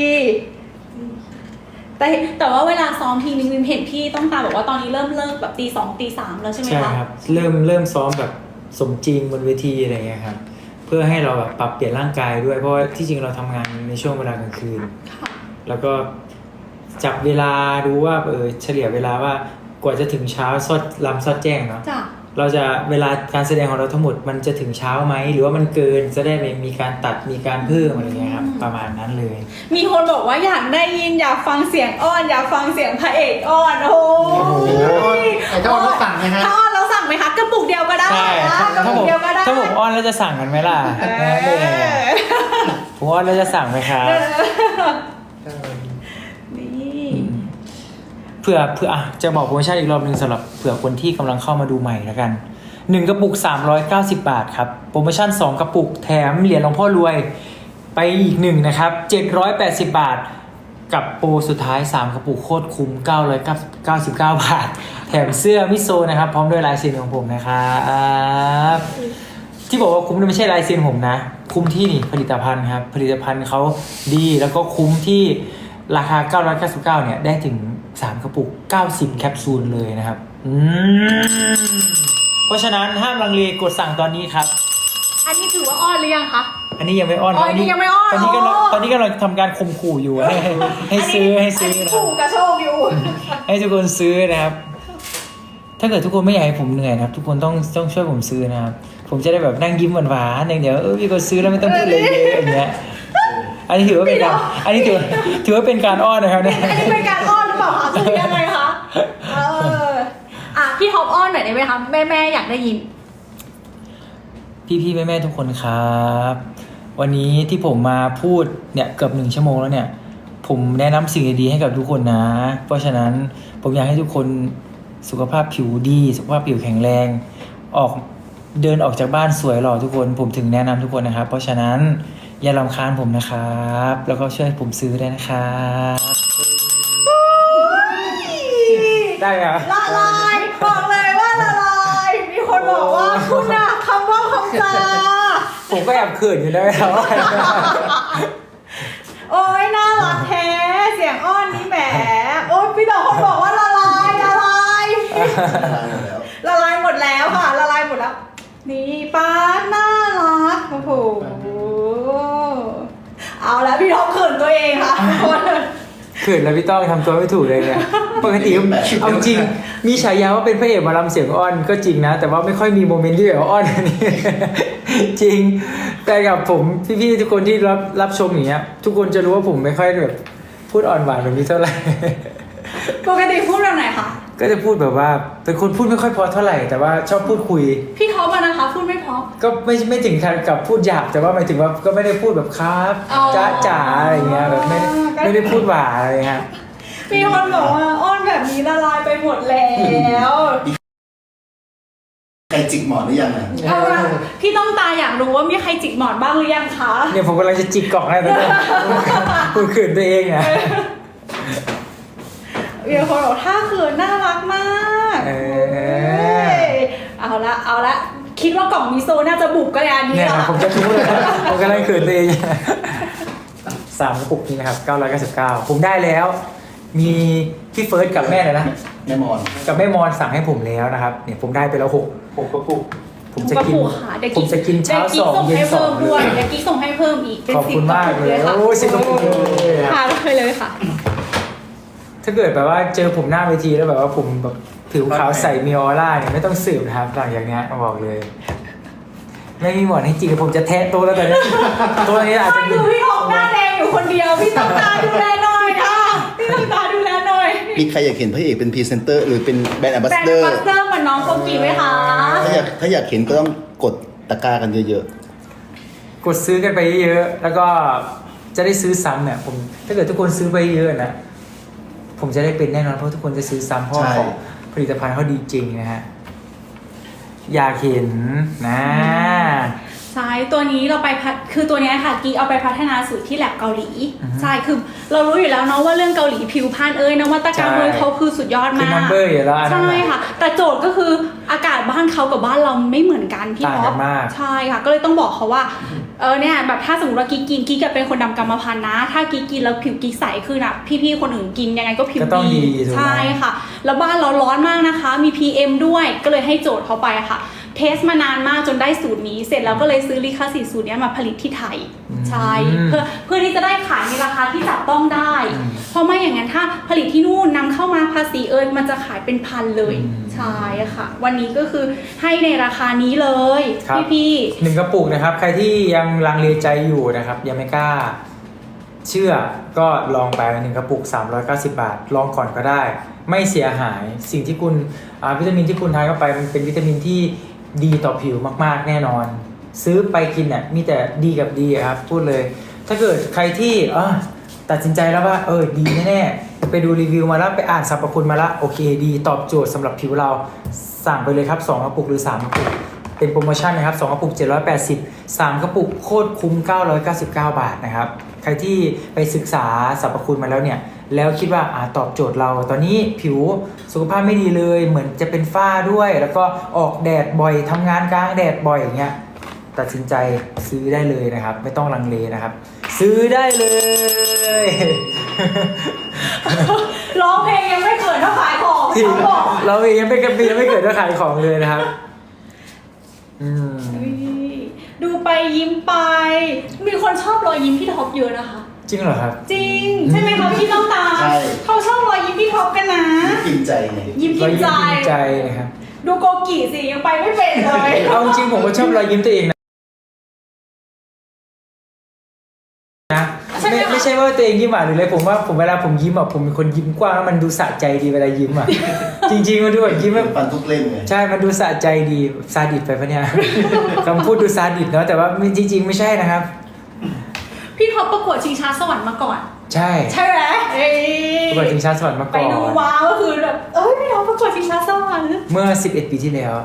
[SPEAKER 4] แต่แต่ว่าเวลาซ้อมทีนึงวิมเห็นพี่ต้องตาบอกว่าตอนนี้เริ่มเลิกแบบตีสองตีสามแล้วใช่ไหม
[SPEAKER 2] ใช่
[SPEAKER 4] คะ
[SPEAKER 2] ครับเริ่มเริ่มซ้อมแบบสมจริงบนเวทีอะไรเงี้ยครับเพื่อให้เราแบบปรับเปลี่ยนร่างกายด้วยเพราะว่าที่จริงเราทำงานในช่วงเวลากลางคืน
[SPEAKER 4] ค่ะ
[SPEAKER 2] แล้วก็จับเวลาดูว่าเออเฉลี่ยเวลาว่ากว่าจะถึงเช้าซอดลำซอดแจ้งเนาะ
[SPEAKER 4] จ้ะ
[SPEAKER 2] เราจะเวลาการแสดงของเราทั้งหมดมันจะถึงเช้าไหมหรือว่ามันเกินจะได้ไม่มีการตัดมีการเพิ่มอะไรเงี้ยครับประมาณนั้นเลย
[SPEAKER 4] มีคนบอกว่าอยากได้ยินอยากฟังเสียงอ้อน อยากฟังเสียงพระเอกอ้อนโอ้
[SPEAKER 6] โอ้โห
[SPEAKER 4] ย
[SPEAKER 6] ไอ้เจ้าอ้อนเราสั่งไหมฮะ
[SPEAKER 4] ถ้าอ้อนเราสั่งไหมคะกระปุกเดียวก็ได้
[SPEAKER 2] ใช่
[SPEAKER 4] นะ
[SPEAKER 2] ถ้าก
[SPEAKER 4] ระ
[SPEAKER 2] ถ้า
[SPEAKER 4] ปุ
[SPEAKER 2] ผ
[SPEAKER 4] ก
[SPEAKER 2] ม
[SPEAKER 4] เดียวก็ได้
[SPEAKER 2] ถ้าผมอ้อนแล้วจะสั่งกันไหมล่ะ
[SPEAKER 4] เอ
[SPEAKER 2] เออ
[SPEAKER 4] อ
[SPEAKER 2] ผมอ้อนแล้วจะสั่งไหมครับ
[SPEAKER 4] นี่
[SPEAKER 2] เผื่อเผื่ออ่ะจะบอกโปรโมชั่นอีกรอบหนึ่งสำหรับเผื่อคนที่กำลังเข้ามาดูใหม่แล้วกันหนึ่งกระปุกสามร้อยเก้าสิบบาทครับโปรโมชั่นสองกระปุกแถมเหรียญหลวงพ่อรวยไปอีกหนึ่งนะครับเจ็ดร้อยแปดสิบบาทกับโปรสุดท้ายสามกระปุกโคตรคุ้มเก้าร้อยเก้าสิบเก้าบาทแถมเสื้อมิโซนะครับพร้อมด้วยลายเซ็นของผมนะครับที่บอกว่าคุ้มนี่ไม่ใช่ลายเซ็นผมนะคุ้มที่นี่ผลิตภัณฑ์ครับผลิตภัณฑ์เขาดีแล้วก็คุ้มที่ราคาเก้าร้อยเก้าสิบเก้าเนี่ยได้ถึงสามกระปุกเก้าสิบแคปซูลเลยนะครับอืมเพราะฉะนั้นห้ามลังเลกดสั่งตอนนี้ครับ
[SPEAKER 4] อันนี้ถือว่าอ้อนหรือยังคะ
[SPEAKER 2] อันนี้ยังไม่อ้อน
[SPEAKER 4] อ๋ออันนี้ยังไม่อ้อน
[SPEAKER 2] ตอนนี้ก็
[SPEAKER 4] อ๋อ
[SPEAKER 2] ตอนนี้ก็เราทำการข่มขู่อยู่ให้ให้ซื้อให้ซื้อ
[SPEAKER 4] อันนี้
[SPEAKER 2] นะ
[SPEAKER 4] ถูกกระโชกอยู่
[SPEAKER 2] ให้ทุกคนซื้อนะครับ ถ้าเกิดทุกคนไม่อยากให้ผมเหนื่อยนะครับ ทุกคนต้องต้องช่วยผมซื้อนะครับ ผมจะได้แบบนั่งยิ้มหวานๆอย่างเดียวเออมีคนซื้อแล้วไม่ต้องพูดเลยเยอะอย่างเงี้ย อันนี้ถือว่าเป็นการอันนี้ถือถือว่าเป็นการอ้อนนะครับเนี่ย
[SPEAKER 4] อันนี้เป็นการอ้อนหรือเปล่าคะคือยังไงคะเอออ่ะพี่ท็อปอ้อนหน่อยได้ไหมคะแม่แม่ๆอยากได้ยิน
[SPEAKER 2] พี่ๆแม่ๆทุกคนครับ วันนี้ที่ผมมาพูดเนี่ยเกือบหนึ่งชั่วโมงแล้วเนี่ย ผมแนะนำสิ่งดีๆให้กับทุกคนนะ เพราะฉะนั้นผมอยากให้ทุกคนสุขภาพผิวดี สุขภาพผิวแข็งแรง ออกเดินออกจากบ้านสวยหล่อทุกคน ผมถึงแนะนำทุกคนนะครับ เพราะฉะนั้นอย่ารำคาญผมนะครับ แล้วก็ช่วยผมซื้อได้นะครับได้เหรอ
[SPEAKER 4] ละลายบอกเลยว่าละลายมีคนบอกว่าคุณอะคำว่าคำจา
[SPEAKER 2] ผมก็แอบเขินอยู่แล้วครับ
[SPEAKER 4] โอ้ยน่ารักแท้เสียงอ้อนนี่แหมโอ้ยพี่ดอกคนบอกว่าละลายละลาย ละลายหมดแล้วค่ะละลายหมดแล้ว นี่ป้าน่ารักโอ้โหเอาแล้วพี่ท็อปเขินตัวเองค่ะทุกคน
[SPEAKER 2] เขินแล้วพี่ต้องทำตัวไม่ถูกเลยเนี่ยปกติเอาจริงมีฉายาว่าเป็นพระเอกหมอลำเสียงอ้อนก็จริงนะ แต่ว่าไม่ค่อยมีโมเมนต์ที่แบบอ้อนอันนี้ จริง แต่กับผมพี่ๆทุกคนที่รับรับชมอย่างเงี้ยทุกคนจะรู้ว่าผมไม่ค่อยแบบพูดอ่อนหวานแบบนี้เท่าไหร่
[SPEAKER 4] ปกติพูดแบบไหนคะ
[SPEAKER 2] ก็จะพูดแบบว่าเป็นคนพูดไม่ค่อยเพอเท่าไหร่แต่ว่าชอบพูดคุย
[SPEAKER 4] พี่ท็อปอะนะคะพูดไม่เพราะ
[SPEAKER 2] ก็ไม่ไม่ถึงขั้นกับพูดหยาบแต่ว่าหมายถึงว่าก็ไม่ได้พูดแบบครับ
[SPEAKER 4] อ๋อ
[SPEAKER 2] จ้าจ๋าอะไรเงี้ยแบบไม่ได้ไม่ได้พูดหวานอะไรเงี้ย
[SPEAKER 4] มีคนบอกว่าอ้อนแบบนี้ละลายไปหมดแล้ว
[SPEAKER 3] ใครจิกหมอนหรือยังอ่ะ
[SPEAKER 4] เอาละพี่ต้องตาอยากรู้ว่ามีใครจิกหมอนบ้างหรือยังคะ
[SPEAKER 2] เนี่ยผมกำลังจะจิกกล่องให้ตอนนี้ คุณขืนตัวเองอ่ะ
[SPEAKER 4] มีคนบอกท่าเขินน่ารักมาก
[SPEAKER 2] เออ
[SPEAKER 4] เอาละเอาละคิดว่ากล่องมิโซน่าจะบุกก็แล้วอันนี้
[SPEAKER 2] เนี่ย
[SPEAKER 4] เหรอ
[SPEAKER 2] ผมจะรู้เลยผมกำลังขืนตัวเองสามกระปุกนี้นะครับเก้าร้อยเก้าสิบเก้าผมได้แล้ว มีพี่เฟิร์สกับแม่เลยนะ
[SPEAKER 3] แม่มอน
[SPEAKER 2] กับแม่มอนสั่งให้ผมแล้วนะครับเนี่ยผมได้ไปแล้วหกหกกระปุกผมจะกิน
[SPEAKER 4] กระปุกค่ะเดี๋ยว
[SPEAKER 2] ผมจะกินเช้าสองเย็นสอง
[SPEAKER 4] ด้วยเดี๋ยวกิ๊กส่งให้เพิ่มอีกเป็น
[SPEAKER 2] ขอบ
[SPEAKER 4] สิ
[SPEAKER 2] คุ
[SPEAKER 4] บ
[SPEAKER 2] ณ
[SPEAKER 4] กระ
[SPEAKER 2] มาก
[SPEAKER 4] ปุก
[SPEAKER 2] เล
[SPEAKER 4] เลย ยค่ะ
[SPEAKER 2] โอ้สิบกระปุกเลย
[SPEAKER 4] ค่ะไปเลยค่ะ
[SPEAKER 2] ถ้าเกิดแบบว่าเจอผมหน้าเวทีแล้วแบบว่าผมแบบผิวขาวใสมีออร่าเนี่ยไม่ต้องสืบนะครับหลังอย่างเนี้ยบอกเลย ไม่มีหมอนให้จริงผมจะแทะตัวแล้วแต่เนี้ยตัวนี้อาจจะ
[SPEAKER 4] ไม่คือพี่ออกหน้าแดงอยู่คนเดียวพี่ต้องตาดูแลหน่อยค่ะพี่ต้องตาดูแลหน่อย
[SPEAKER 3] มีใครอยากเห็นพระเอกเป็นพรีเซนเตอร์หรือเป็นแบรนด์แอมบา
[SPEAKER 4] แบ
[SPEAKER 3] ส
[SPEAKER 4] รน
[SPEAKER 3] เดอ
[SPEAKER 4] ด์
[SPEAKER 3] ร์
[SPEAKER 4] บัสเตอร์เหมือนน้องโกกีไหมคะ
[SPEAKER 3] ถ้าอยากถ้าอยากเห็นก็ต้องกดตะกร้ากันเยอะ
[SPEAKER 2] กดซื้อกันไปเยอะๆแล้วก็จะได้ซื้อซ้ำเนี่ยผมถ้าเกิดทุกคนซื้อไปเยอะนะผมจะได้เป็นแน่นอนเพราะทุกคนจะซื้อซ้ำเพราะของผลิตภัณฑ์เขาดีจริงนะฮะอยากเห็นนะ
[SPEAKER 4] ใช่ตัวนี้เราไปพัฒคือตัวเนี้ยค่ะกีเอาไปพัฒนาสูตรที่แลบเกาหลีใช่คือเรารู้อยู่แล้วเนาะว่าเรื่องเกาหลีผิวพรรณเอ้ยนวัตกรรมเอ้ยเขาคือสุดยอด
[SPEAKER 2] คือ
[SPEAKER 4] มาก
[SPEAKER 2] นัมเบอร์อยู่แล้วอันนั้น
[SPEAKER 4] ใช่
[SPEAKER 2] น่ะ
[SPEAKER 4] ค่ะ แต่โจทย์ก็คืออากาศบ้านเขากับบ้านเราไม่เหมือนกันพี่
[SPEAKER 2] ต่าง
[SPEAKER 4] ท็
[SPEAKER 2] กั
[SPEAKER 4] อป
[SPEAKER 2] นมาก
[SPEAKER 4] ใช่ค่ะ ก็เลยต้องบอกเขาว่าเออเนี่ยแบบถ้าสมมติว่ากิ๊กกินกิ๊กจะเป็นคนดำกรรมพันธุ์นะ ถ้ากิ๊กกินแล้วผิวกิ๊กใสขึ้นอ่ะพี่ๆคนอื่นกินยังไงก็ผิว
[SPEAKER 2] ก็ต้องดีถูกไหม
[SPEAKER 4] ใช่ค่ะ แล้วบ้านเราร้อนมากนะคะ มี พี เอ็ม ด้วยก็เลยให้โจทย์เขาไปค่ะ เทสมานานมากจนได้สูตรนี้ เสร็จแล้วก็เลยซื้อลิขสิทธิ์สูตรนี้มาผลิตที่ไทยใช่เพื่อเพื่อที่จะได้ขายในราคาที่จับต้องได้ เพราะไม่อย่างนั้นถ้าผลิตที่นู่นนำเข้ามาภาษีเอิญมันจะขายเป็นพันเลยใช่ค่ะ วันนี้ก็คือให้ในราคานี้เลย
[SPEAKER 2] ครับ
[SPEAKER 4] พี่พี่
[SPEAKER 2] หนึ่งกระปุกนะครับ ใครที่ยังลังเลใจอยู่นะครับ ยังไม่กล้า เชื่อก็ลองไปหนึ่งกระปุกสามร้อยเก้าสิบบาท ลองก่อนก็ได้ ไม่เสียหายสิ่งที่คุณอ่าวิตามินที่คุณทานเข้าไปมันเป็นวิตามินที่ดีต่อผิวมากๆแน่นอน ซื้อไปกินเนี่ยมีแต่ดีกับดีครับพูดเลย ถ้าเกิดใครที่เออตัดสินใจแล้วว่าเออดีแน่ๆไปดูรีวิวมาแล้วไปอ่านสรรพคุณมาแล้วโอเคดีตอบโจทย์สำหรับผิวเราสั่งไปเลยครับสองกระปุกหรือสามกระปุกเป็นโปรโมชั่นนะครับสองกระปุกเจ็ดร้อยแปดสิบ สามกระปุกโคตรคุ้มเก้าร้อยเก้าสิบเก้าบาทนะครับใครที่ไปศึกษาสรรพคุณมาแล้วเนี่ยแล้วคิดว่าอ่าตอบโจทย์เราตอนนี้ผิวสุขภาพไม่ดีเลยเหมือนจะเป็นฝ้าด้วย แล้วก็ออกแดดบ่อยทำงานกลางแดดบ่อยอย่างเงี้ยตัดสินใจซื้อได้เลยนะครับ ไม่ต้องลังเลนะครับ ซื้อได้เลย
[SPEAKER 4] ๆร้องเพลงยังไม่เกิดเท่าขายของ
[SPEAKER 2] ที่
[SPEAKER 4] เขาบอก
[SPEAKER 2] เราเองยังไม่กระปียังไม่เกิดเรื่องขายของเลยนะครับอืม
[SPEAKER 4] ดูไปยิ้มไป มีคนชอบรอยยิ้มพี่ท็อปเยอะนะคะ
[SPEAKER 2] จริงเหรอครับ
[SPEAKER 4] จริง ใช่ไหมคะพี่ต้องตา
[SPEAKER 3] ใช่
[SPEAKER 4] เขาชอบรอยยิ้มพี่ท็อปกันนะ
[SPEAKER 3] ๆกินใจไง
[SPEAKER 4] ยิ้ม
[SPEAKER 2] ร
[SPEAKER 4] กิ
[SPEAKER 2] อย
[SPEAKER 4] น
[SPEAKER 2] ยิ้
[SPEAKER 4] ใจ
[SPEAKER 2] มกินใจนะครับ
[SPEAKER 4] ดูโกกิสิยังไปไม่เป็นเลย
[SPEAKER 2] เอาจริงผมก็ชอบรอยยิ้มตัวเองนะนะไม่ไม่ใช่ว่าตัวเองยิ้มหวานหรืออะไรผมว่าผมเวลาผมยิ้มอ่ะผมเป็นคนยิ้มกว้างแล้วมันดูสะใจดีเวลายิ้มอ่ะ จริงๆมันดูแบบยิ้มแบบ
[SPEAKER 3] ฟันทุกเล่มไง
[SPEAKER 2] ใช่มันดูสะใจดีซาดิสไปปะเนี่ย คำพูดดูซาดิสเนาะแต่ว่าจริง ๆ ไม่ใช่นะครับ
[SPEAKER 4] พี่ท็อปประกวดชิงช้าสวรรค์มาก่อน
[SPEAKER 2] ใช่
[SPEAKER 4] ใช่ไหมเอ้ย
[SPEAKER 2] ประกวดชิงช้าสวรรค์มา
[SPEAKER 4] ไป
[SPEAKER 2] ก่อน
[SPEAKER 4] ดูว้าวก็คือแบบเอ้ยพี่ท็อปประกวดชิงช้าสวรรค์
[SPEAKER 2] เมื่อสิบเอ็ดปีที่แล้ว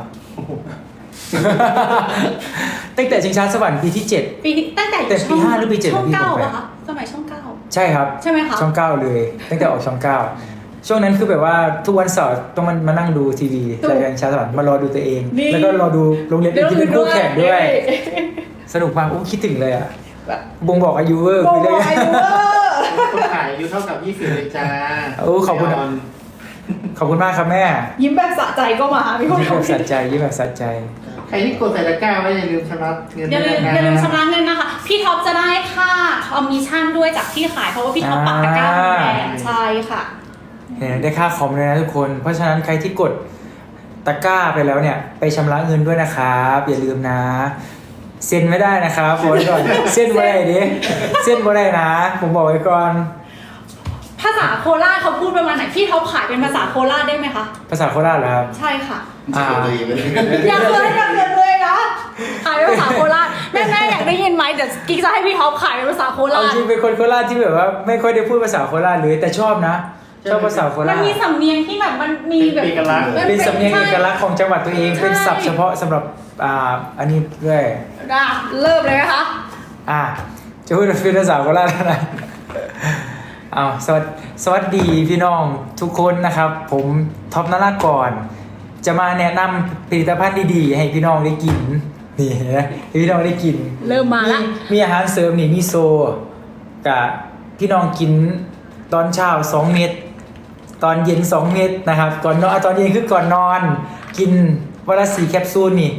[SPEAKER 2] ตั้งแต่ชิงช้าสวรรค์ปีที่เจ็ด
[SPEAKER 4] ปีที่ตั้งแต่อยู่
[SPEAKER 2] แต่ปี
[SPEAKER 4] ช่อง
[SPEAKER 2] ห้าหรือปีเจ็ด
[SPEAKER 4] ช่อง
[SPEAKER 2] พี่
[SPEAKER 4] เก้า
[SPEAKER 2] ผมไป
[SPEAKER 4] อะคะสมัยช่องเก้า
[SPEAKER 2] ใช่ครับ
[SPEAKER 4] ใช่ไหมคะ
[SPEAKER 2] ช่องเก้าเลย ตั้งแต่ออกช่องเก้าช่วงนั้นคือแบบว่าทุกวันเสาร์ต้องมันมานั่งดูทีวีรายการชิงช้าสวรรค์มารอดูตัวเอง
[SPEAKER 4] นี่
[SPEAKER 2] แล้วก็รอดูโรงเรียนอื่นที่เป็นคู่แข่งด้วย
[SPEAKER 4] เอ้
[SPEAKER 2] สนุกมากโอ้คิดถึงเลยอ่ะ
[SPEAKER 4] แบบ
[SPEAKER 2] บ่งบอกอายุเวอร์
[SPEAKER 4] โบ
[SPEAKER 2] คุย
[SPEAKER 4] ก
[SPEAKER 2] เลย
[SPEAKER 4] อายุเวอร์
[SPEAKER 6] คนขายอายุเท่ากับยี่สิบเลยจ้า
[SPEAKER 2] โอ้ขอบคุณ ขอบคุณมากครับแม่
[SPEAKER 4] ยิ้มแบบสะใจก็มามีคน
[SPEAKER 2] ยิ้มแบบสะใจยิ้มแบบสะใจ
[SPEAKER 6] ใครที่กดใส่ตะกร้าไว้อย่าลืมชำระเงิน
[SPEAKER 4] อย่าลืม
[SPEAKER 6] ด้ว
[SPEAKER 4] อย่าลืม
[SPEAKER 6] นะ
[SPEAKER 4] ชำระเงินนะคะ พี่ท็อปจะได้ค่าคอมมิชชั่นด้วยจากที่ขายเพราะว่าพี่ท็อปปักตะกร้าของแบรนด์ใช่ค่ะ
[SPEAKER 2] เห็นได้ค่าคอมเลยนะทุกคน เพราะฉะนั้นใครที่กดตะกร้าไปแล้วเนี่ย ไปชำระเงินด้วยนะครับ อย่าลืมนะ เซ็นไม่ได้นะครับบอกไว้ก่อนเซ็นบ่ได้ดิเซ็นบ่ได้นะ ผมบอกไว้ก่อน
[SPEAKER 4] ภาษาโคราชเขาพูดประมาณไหนพี่ท็อปขายเป็นภาษาโคราชได้ไหมคะ
[SPEAKER 2] ภาษาโคราชเหรอครับ
[SPEAKER 4] ใช่ค่ะ
[SPEAKER 2] อ่า
[SPEAKER 3] ตัวเองเลย
[SPEAKER 4] อยากเลยอยากเลยเลยนะขายเป็นภาษาโคราชแม่แม่อยากได้ยินไหมเดี๋ยวกิ๊กจะให้พี่ท็อปขายเป็นภาษาโครา
[SPEAKER 2] เอา
[SPEAKER 4] ช
[SPEAKER 2] จริงเป็นคนโคราชที่แบบว่าไม่ค่อยได้พูดภาษาโคราชเลยแต่ชอบนะ ชอบภาษาโค
[SPEAKER 4] มั
[SPEAKER 2] ราน ช
[SPEAKER 4] มีสำเนียงที่แบบมันมีแบบ
[SPEAKER 6] เป็นเอกลักษณ์
[SPEAKER 4] มั
[SPEAKER 2] เป็นสำเนียงเอกลักษณ์ของจังหวัดตัวเอง
[SPEAKER 4] ใช่
[SPEAKER 2] เป็นศัพท์เฉพาะสำหรับอ่าอันนี้ด้วย
[SPEAKER 4] อ่ะเริ่มเลยไหมคะ
[SPEAKER 2] อ่ะจะพูดเป็นภาษาโคราชแล้วนะเอาสวัสดีสวัสดีพี่น้องทุกคนนะครับ ผมท็อปนรากรจะมาแนะนำผลิตภัณฑ์ดีๆ ให้พี่น้องได้กินนี่นะให้พี่น้องได้กิน
[SPEAKER 4] เริ่มมาละ
[SPEAKER 2] มีอาหารเสริมนี่มีโซกับพี่น้องกินตอนเช้าสองเม็ดตอนเย็นสองเม็ดนะครับก่อนนอนตอนเย็นคือก่อนนอน กินวันละสี่แคปซูลนี่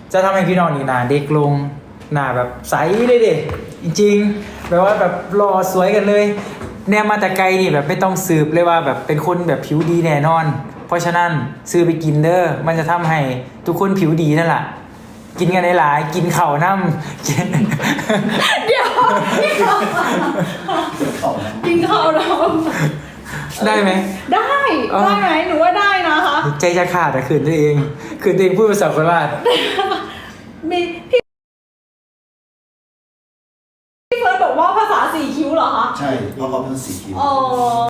[SPEAKER 2] จะทำให้พี่น้องนี่หน้าเด็กลงหน้าแบบใสเลยเด็จริงๆแบบว่าแบบรอสวยกันเลยแนวมาแต่ไกลนี่แบบไม่ต้องสืบเลยว่าแบบเป็นคนแบบผิวดีแน่นอน เพราะฉะนั้นซื้อไปกินเด้อมันจะทำให้ทุกคนผิวดีนั่นแหละกินกันหลายๆกินเข่าวน้ำกิน
[SPEAKER 4] เดี๋ยว
[SPEAKER 3] ของนะ
[SPEAKER 4] กินข้าวเรา
[SPEAKER 2] ได้ไหม
[SPEAKER 4] ได้
[SPEAKER 2] อ๋อ
[SPEAKER 4] ได้ไหมหนูว่าได้นะคะ
[SPEAKER 2] ใจจะขาดแต่คืนตัวเองคืนตัวเองพูดภาษาโคราช
[SPEAKER 4] มีพี่พี่เฟิร์สบอกว่าภาษาสี่คิ้วเหรอคะ
[SPEAKER 3] ใช่เพราะเขาเป็นสีคิ้ว
[SPEAKER 4] อ๋อ